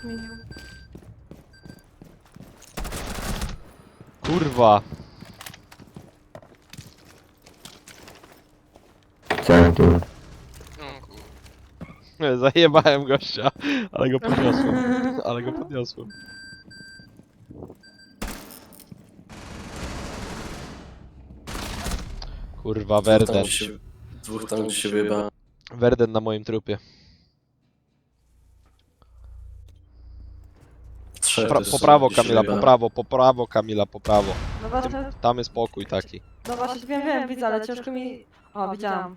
zmienił. Kurwa. Co tu? No kur... Zajebałem gościa, ale go podniosłem. Ale go podniosłem. Kurwa, Werden. Dwóch tam gdzie się wyjebałem. Werden na moim trupie. Trzech Po też prawo gdzie się Kamila, po wyjebałem. prawo, po prawo Kamila, po prawo. No właśnie, Tam jest pokój taki. no właśnie wiem, widzę, ale ciężko mi... O, widziałam.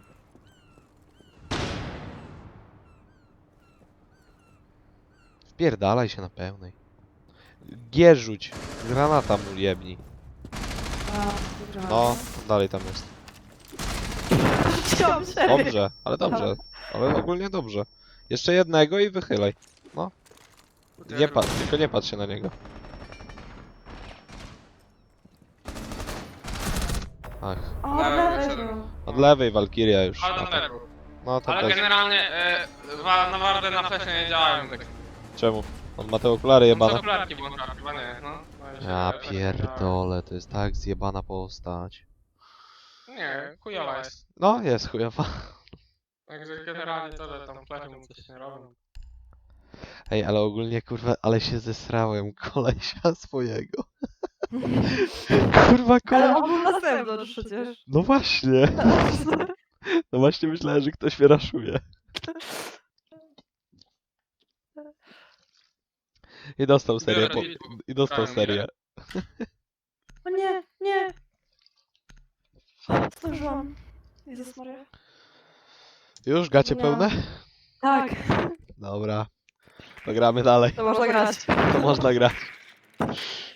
Wpierdalaj się na pełnej. G rzuć. Granata mu jebni. A, dobra. No, dalej tam jest. Chciałam siebie. Dobrze, ale dobrze. Ale ogólnie dobrze. Jeszcze jednego i wychylaj. No. Nie patrz, tylko nie patrz się na niego. Ach. O, od lewej był. Od lewej Walkiria już. Ale No na to, lewo. no to Ale też. generalnie na wardę na flesze nie działają tak. Czemu? On ma te okulary No jebane. to okularki włącza, chyba nie, no. Ja pierdolę, to jest tak zjebana postać. Nie, chujowa jest. No, jest chujowa. Także generalnie to, że tam flesze mu coś nie robią. Ej, ale ogólnie kurwa, ale się zesrałem kolesia swojego. Kurwa, Ale koleś. on był na zewnątrz przecież. No właśnie. No właśnie myślałem, że ktoś mnie raszuje. I dostał serię. I dostał serię. O nie, nie. Zdążyłam. Jezus Maria. Już gacie Nie. pełne? Tak, Dobra. To gramy dalej. to można grać. To można grać.